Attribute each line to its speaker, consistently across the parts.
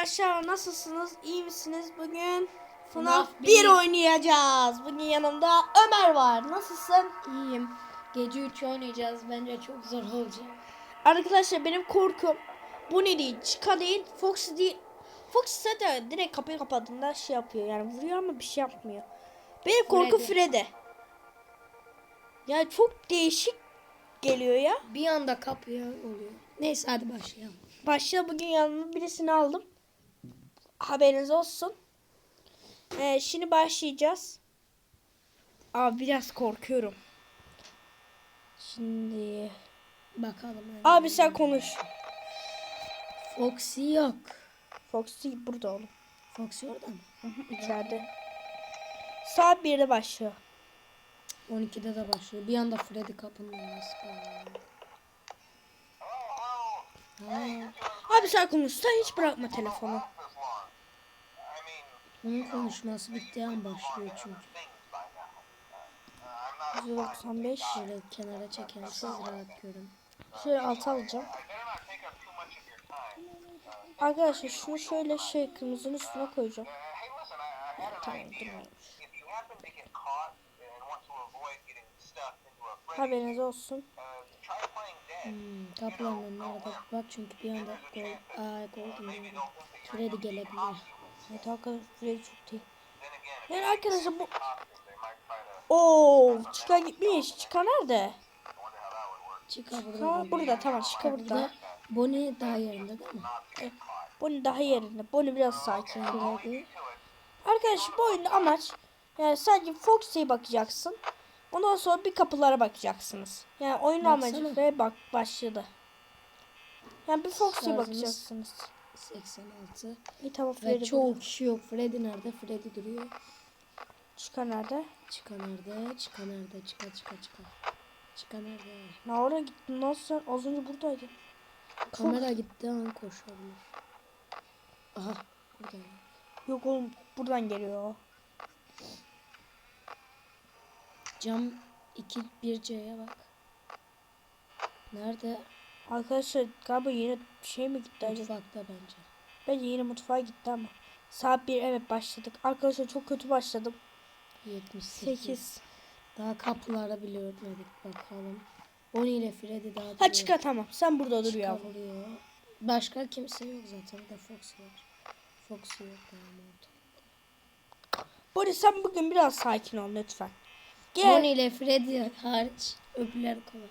Speaker 1: Arkadaşlar nasılsınız? İyi misiniz? Bugün FNAF
Speaker 2: FNAF
Speaker 1: 1 oynayacağız. Bugün yanımda Ömer var. Nasılsın?
Speaker 2: İyiyim. Gece 3 oynayacağız. Bence çok zor olacak.
Speaker 1: Arkadaşlar benim korkum bu ne değil, Chica değil, Foxy değil. Foxy zaten direkt kapıyı kapadığında şey yapıyor, yani vuruyor ama bir şey yapmıyor. Benim korkum Freddy. Yani çok değişik geliyor ya.
Speaker 2: Bir anda kapıya oluyor. Neyse hadi başlayalım.
Speaker 1: Başta bugün yanıma birisini aldım. Haberiniz olsun. Şimdi başlayacağız. Abi biraz korkuyorum. Şimdi
Speaker 2: Bakalım.
Speaker 1: abi sen konuş.
Speaker 2: Foxy yok.
Speaker 1: Foxy burada oğlum.
Speaker 2: Foxy orada mı?
Speaker 1: İçeride. Saat 1'de başlıyor.
Speaker 2: 12'de de başlıyor. Bir anda Freddy kapının önüne
Speaker 1: Abi sen konuş. Sen hiç bırakma telefonu.
Speaker 2: Onun konuşması bittiği an başlıyor çünkü.
Speaker 1: 195.
Speaker 2: Şöyle kenara çekelim siz rahat görün.
Speaker 1: Şöyle alta alacağım. Arkadaşlar şunu şöyle kırmızının üstüne koyacağım. Tamam durmuyormuş. Haberiniz olsun.
Speaker 2: Kapıların önüne arada bak çünkü bir anda golden diyorum. Freddy gelebilir.
Speaker 1: Evet arkadaşlar Freddy çok iyi. Yani arkadaşlar bu... Oo, Chica gitmiş. Chica nerede?
Speaker 2: Chica
Speaker 1: Chica burada, tamam Chica burada.
Speaker 2: Bonnie daha yerinde değil mi?
Speaker 1: Bonnie daha yerinde. Bonnie biraz sakin.
Speaker 2: Freddy.
Speaker 1: Arkadaşlar bu oyunda amaç yani sadece Foxy'ye bakacaksın. Ondan sonra bir kapılara bakacaksınız. Yani oyun amacı ve bak başladı. Yani bir Foxy'ye bakacaksınız.
Speaker 2: 86.
Speaker 1: İyi tamam
Speaker 2: Ve
Speaker 1: Freddy
Speaker 2: çoğu
Speaker 1: burada.
Speaker 2: kişi yok. Freddy nerede? Freddy duruyor.
Speaker 1: Chica nerede?
Speaker 2: Chica nerede? Chica nerede? Chica. Chica nerede?
Speaker 1: Ne oraya gittin? Nasıl sen az önce buradaydın?
Speaker 2: Kamera gitti an koşabilir. Aha burada.
Speaker 1: Yok oğlum buradan geliyor o.
Speaker 2: Cam 1C'ye bak. Nerede?
Speaker 1: Arkadaşlar galiba yine şey mi gitti acaba?
Speaker 2: Mutfakta bence.
Speaker 1: Bence yine mutfağa gitti ama. Saat 1 evet başladık. Arkadaşlar çok kötü başladım.
Speaker 2: 78. Daha kapılara bile örtmedik bakalım. Bonnie ile Freddy daha duruyor.
Speaker 1: Ha Chica tamam. Sen burada dur ya.
Speaker 2: Vuruyor. Başka kimse yok zaten. Bir de Foxy var. Foxy yok daha orada.
Speaker 1: Boris sen bugün biraz sakin ol lütfen. Gel.
Speaker 2: Bonnie ile Freddy hariç öbürler kolay.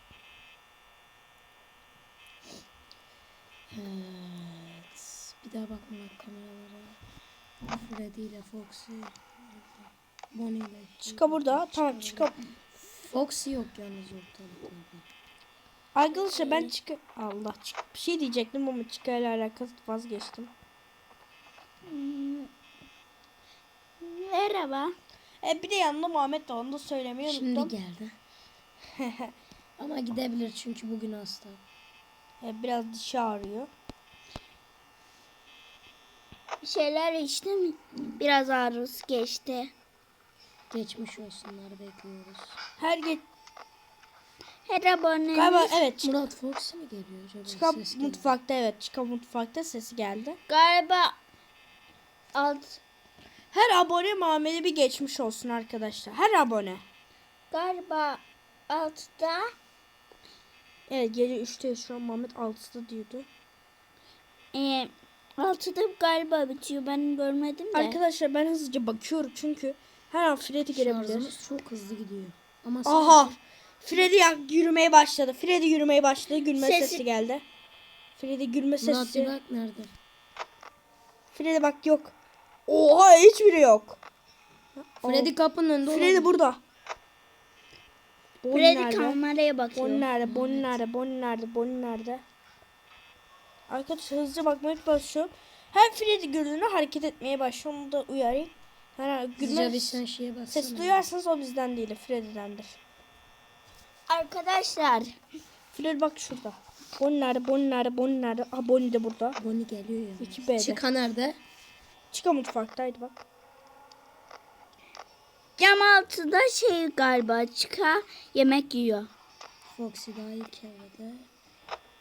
Speaker 2: Evet. Bir daha bakmamak kameralara. Freddy ile Foxy. Bonnie ile.
Speaker 1: Chica burada. Tamam Chica.
Speaker 2: Foxy yok yalnız ortalıkta.
Speaker 1: Arkadaşlar ben Chica. Allah Chica. Bir şey diyecektim ama Chica ile alakalı vazgeçtim.
Speaker 3: Merhaba.
Speaker 1: Bir de yanında Muhammed var. Onu da söylemeyi unuttum.
Speaker 2: Şimdi geldi. Ama gidebilir çünkü bugün hasta.
Speaker 1: Biraz dişi ağrıyor.
Speaker 3: Bir şeyler içtim. Biraz ağrısı geçti.
Speaker 2: Geçmiş olsunlar bekliyoruz.
Speaker 3: Her abonemiz
Speaker 1: Galiba evet.
Speaker 2: Murat Foxy mi geliyor acaba?
Speaker 1: Chica
Speaker 2: Ses geliyor.
Speaker 1: mutfakta evet. Chica mutfakta sesi geldi.
Speaker 3: galiba
Speaker 1: Her abone Muhammed'e bir geçmiş olsun arkadaşlar. Her abone.
Speaker 3: galiba altıda
Speaker 1: Evet gece 3'te şu an Muhammed 6'da diyordu.
Speaker 3: altıda galiba bitiyor. Ben görmedim de.
Speaker 1: Arkadaşlar ben hızlıca bakıyorum çünkü her an Freddy gelebilir.
Speaker 2: Şarjımız çok hızlı gidiyor. Ama
Speaker 1: Aha! Freddy yürümeye başladı. Freddy yürümeye başladı. Gülme sesi geldi. Freddy gülme
Speaker 2: Murat
Speaker 1: sesi.
Speaker 2: bak nerede?
Speaker 1: Freddy bak yok. Oha hiçbiri yok.
Speaker 2: Freddy kapının önünde.
Speaker 1: Freddy burada. Bonnie
Speaker 3: Freddy
Speaker 1: nerede?
Speaker 3: kameraya bakıyor.
Speaker 1: Bonnie nerede? Bonnie nerede? Bonnie nerede? Bonnie nerede? Arkadaşlar hızlıca bakmaya başlıyorum. Her Freddy gördüğünde hareket etmeye başlıyor. Onu da uyarayım.
Speaker 2: Hızlıca bir sen şeye baksana.
Speaker 1: Ses duyarsanız o bizden değil. Freddy'dendir.
Speaker 3: Arkadaşlar.
Speaker 1: Freddy bak şurada. Bonnie nerede? Bonnie nerede? Bonnie nerede? Aha Bonnie de burada.
Speaker 2: Bonnie geliyor ya.
Speaker 1: 2B'de.
Speaker 2: Chica nerede?
Speaker 1: Chica mutfaktaydı bak.
Speaker 3: Cam altıda galiba yemek yiyor.
Speaker 2: Foxy daha ilk evrede.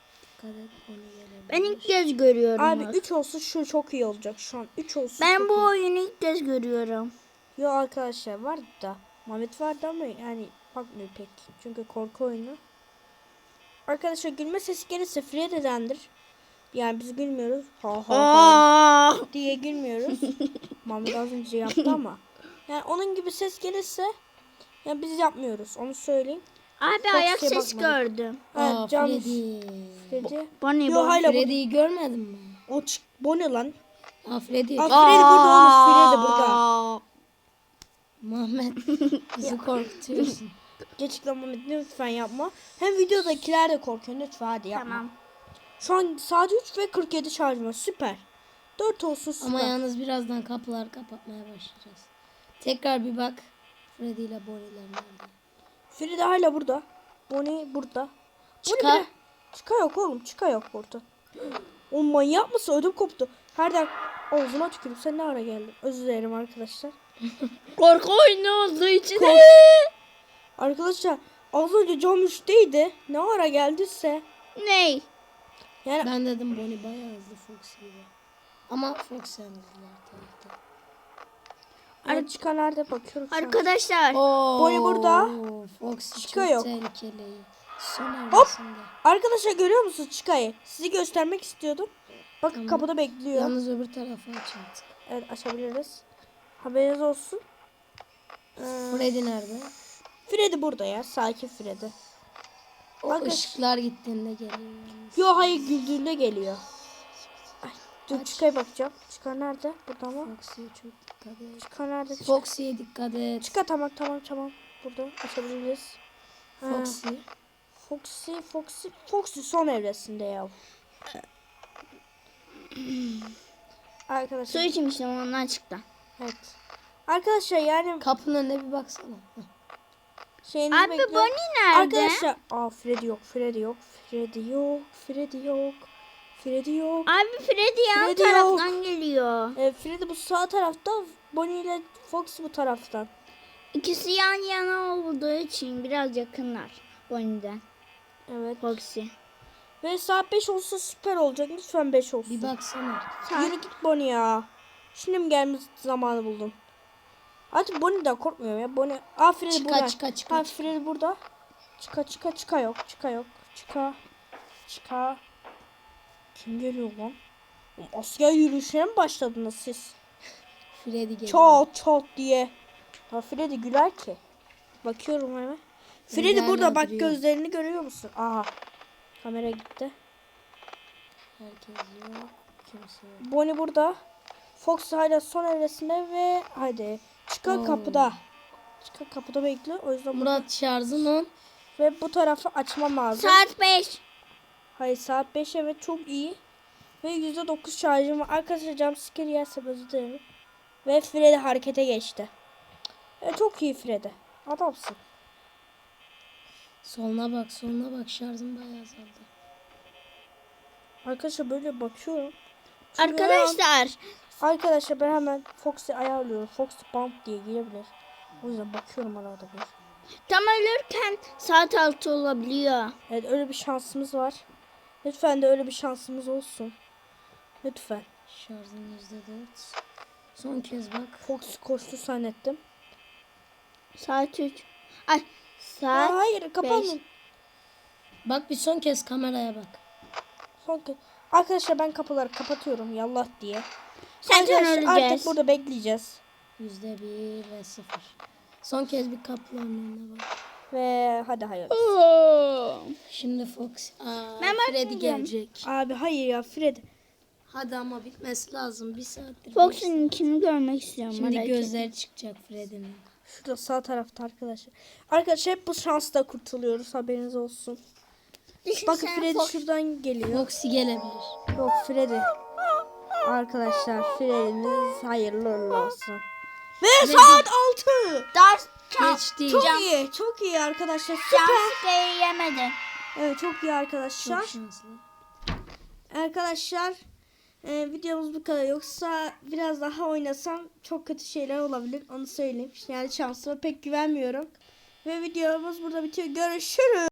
Speaker 2: dikkat et. Onu gelebilir.
Speaker 3: Ben ilk kez görüyorum.
Speaker 1: Abi
Speaker 3: bak.
Speaker 1: 3 olsun şu çok iyi olacak şu an. 3 olsun.
Speaker 3: Ben
Speaker 1: çok
Speaker 3: bu
Speaker 1: iyi.
Speaker 3: oyunu ilk kez görüyorum.
Speaker 1: Yo arkadaşlar vardı da. Mehmet vardı ama yani bakmıyor pek. Çünkü korku oyunu. Arkadaşlar gülme sesi gelirse Freddy'dendir. Yani biz gülmüyoruz. Ha ha ha diye gülmüyoruz. Mehmet az önce yaptı ama. Yani onun gibi ses gelirse yani biz yapmıyoruz. Onu söyleyeyim.
Speaker 3: Abi
Speaker 1: Çok
Speaker 3: ayak
Speaker 1: şey
Speaker 3: ses
Speaker 1: bakmadık.
Speaker 3: gördüm.
Speaker 1: Evet Can
Speaker 2: Freddy.
Speaker 1: Freddy.
Speaker 3: Bonnie
Speaker 1: Yo
Speaker 3: Bonnie.
Speaker 1: hala bu.
Speaker 2: Freddy'yi görmedin mi?
Speaker 1: Bu ne lan?
Speaker 2: Freddy.
Speaker 1: Aa, Freddy burada oğlum. Freddy burada.
Speaker 2: Muhammed bizi korkutuyorsun.
Speaker 1: Gerçekten Mehmet lütfen yapma. Hem videodakiler de korkuyor. Lütfen hadi yapma.
Speaker 3: Tamam.
Speaker 1: Şu an saat 3 ve 47 şarjım var. Süper. 4 olsun süper.
Speaker 2: Ama yalnız birazdan kapılar kapatmaya başlayacağız. Tekrar bir bak. Freddy ile Bonnie'ler nerede?
Speaker 1: Freddy hala burada. Bonnie burada.
Speaker 2: Çıka.
Speaker 1: Bonnie bile- Çıka yok oğlum. Çıka yok burada. O manyak mısın? Ödüm koptu. Herden ağzıma tükürüp sen ne ara geldin? Özür dilerim arkadaşlar.
Speaker 3: Korku oyunu olduğu için.
Speaker 1: Arkadaşlar az önce cam 3'teydi. Ne ara geldiyse.
Speaker 3: Ney?
Speaker 1: Yani
Speaker 2: Ben dedim Bonnie bayağı hızlı Fox gibi. Ama Fox en hızlılar tabii ki.
Speaker 1: yani çıka nerede bakıyorum şu an.
Speaker 3: Arkadaşlar.
Speaker 1: Bonnie burada.
Speaker 2: Fox
Speaker 1: Çıka
Speaker 2: çok
Speaker 1: yok.
Speaker 2: tehlikeli. Son
Speaker 1: Hop.
Speaker 2: evresinde.
Speaker 1: Arkadaşlar görüyor musunuz Çıka'yı? Sizi göstermek istiyordum. Bakın
Speaker 2: Tamam.
Speaker 1: kapıda bekliyor.
Speaker 2: Yalnız öbür tarafa aç artık.
Speaker 1: Evet açabiliriz. Haberiniz olsun.
Speaker 2: Freddy nerede?
Speaker 1: Freddy burada ya. Sakin Freddy.
Speaker 2: O
Speaker 1: Bakın.
Speaker 2: ışıklar gittiğinde geliyor. yalnız.
Speaker 1: Yo hayır güldüğünde geliyor. Ay, dur
Speaker 2: Aç.
Speaker 1: Çıka'ya bakacağım. Çıka nerede? Burada mı?
Speaker 2: Foxy'ye çok dikkat et.
Speaker 1: Çıka nerede?
Speaker 2: Foxy'ye dikkat et.
Speaker 1: Çıka tamam. Burada açabiliriz. Ha, Foxy son evresinde ya.
Speaker 3: Su
Speaker 1: Arkadaşlar.
Speaker 3: içmiştim ondan çıktı.
Speaker 1: Evet. Arkadaşlar yani
Speaker 2: Kapının önüne bir baksana. Heh.
Speaker 1: şeyinizi
Speaker 3: Abi
Speaker 1: bekliyorum.
Speaker 3: Bonnie nerede?
Speaker 1: Arkadaşlar. Freddy yok.
Speaker 3: Abi Freddy yan
Speaker 1: Freddy
Speaker 3: taraftan geliyor.
Speaker 1: Freddy bu sağ tarafta. Bonnie ile Fox bu taraftan.
Speaker 3: İkisi yan yana olduğu için biraz yakınlar Bonnie'den.
Speaker 1: Evet.
Speaker 3: Foxy.
Speaker 1: Ve saat 5 olsa süper olacak. Lütfen 5 olsun.
Speaker 2: Bir baksana.
Speaker 1: Yürü git Bonnie ya. Şimdi mi gelmiş zamanı buldum. Artık Bonnie'den korkmuyorum ya. Bonnie. Freddy burada.
Speaker 2: Çıka.
Speaker 1: Freddy burada. Çıka yok. Çıka. Kim geliyor lan? Oğlum, asker yürüyüşüne mi başladınız siz?
Speaker 2: Freddy geliyor.
Speaker 1: Çat diye. Ya Freddy güler ki. Bakıyorum hemen. Freddy
Speaker 2: Freddy
Speaker 1: burada
Speaker 2: hala
Speaker 1: bak
Speaker 2: duruyor.
Speaker 1: gözlerini görüyor musun? Aha. Kamera gitti.
Speaker 2: Herkes yok. Kimse yok.
Speaker 1: Bonnie burada. Fox hala son evresinde ve hadi. Çıka
Speaker 2: Oo.
Speaker 1: kapıda. Çıka kapıda bekliyor. O yüzden
Speaker 2: Murat şarjın 10.
Speaker 1: ve bu tarafı açmam lazım.
Speaker 3: Saat 5.
Speaker 1: Hayır saat 5 evet çok iyi. Ve %9 şarjım var. Arkadaşlar jumpscare yerse özür dilerim. Ve Freddy harekete geçti. Çok iyi Freddy. Adamsın.
Speaker 2: Soluna bak şarjın bayağı azaldı.
Speaker 1: Arkadaşlar böyle bakıyorum. Çünkü
Speaker 3: Arkadaşlar.
Speaker 1: ben hemen Fox'u ayarlıyorum. Fox Bump diye girebilir. O yüzden bakıyorum arada bir.
Speaker 3: Tam ölürken saat 6 olabiliyor.
Speaker 1: Evet öyle bir şansımız var. Lütfen de öyle bir şansımız olsun. Lütfen.
Speaker 2: Şarjın %4. Son kez bak.
Speaker 1: Fox koştu zannettim.
Speaker 3: Saat 3. Ay saat
Speaker 1: Hayır kapanın.
Speaker 2: Bak bir son kez kameraya bak.
Speaker 1: Son kez. Arkadaşlar ben kapıları kapatıyorum yallah diye.
Speaker 3: Zaten
Speaker 1: Arkadaşlar
Speaker 3: öleceğiz.
Speaker 1: artık burada bekleyeceğiz.
Speaker 2: %1 ve 0. Son kez bir kapıların önüne bak.
Speaker 1: Ve hadi hayır.
Speaker 2: Şimdi Fox.
Speaker 3: Ben
Speaker 2: Freddy
Speaker 3: bakmayacağım.
Speaker 2: gelecek.
Speaker 1: Abi hayır ya Fred.
Speaker 2: Hadi ama bitmesi lazım. Bir saattir.
Speaker 3: Fox'un ikini görmek istiyorum.
Speaker 2: Şimdi
Speaker 3: merak etme.
Speaker 2: gözler çıkacak Freddy'nin.
Speaker 1: Şurada sağ tarafta arkadaşlar. Arkadaşlar hep bu şansla kurtuluyoruz haberiniz olsun. Bakın
Speaker 3: Sen
Speaker 1: Freddy
Speaker 3: Fox-
Speaker 1: şuradan geliyor.
Speaker 2: Foxy gelebilir.
Speaker 1: Yok Freddy. Arkadaşlar Freddy'miz hayırlı uğurlu olsun. Ve saat 6.
Speaker 3: Ders
Speaker 2: Geçti.
Speaker 1: Çok iyi arkadaşlar. Süper.
Speaker 3: jumpscare yemedi.
Speaker 1: Evet çok iyi arkadaşlar.
Speaker 2: Çok şanslı.
Speaker 1: Arkadaşlar videomuz bu kadar. Yoksa biraz daha oynasam çok kötü şeyler olabilir. Onu söyleyeyim. Yani şansıma pek güvenmiyorum. Ve videomuz burada bitiyor. Görüşürüz.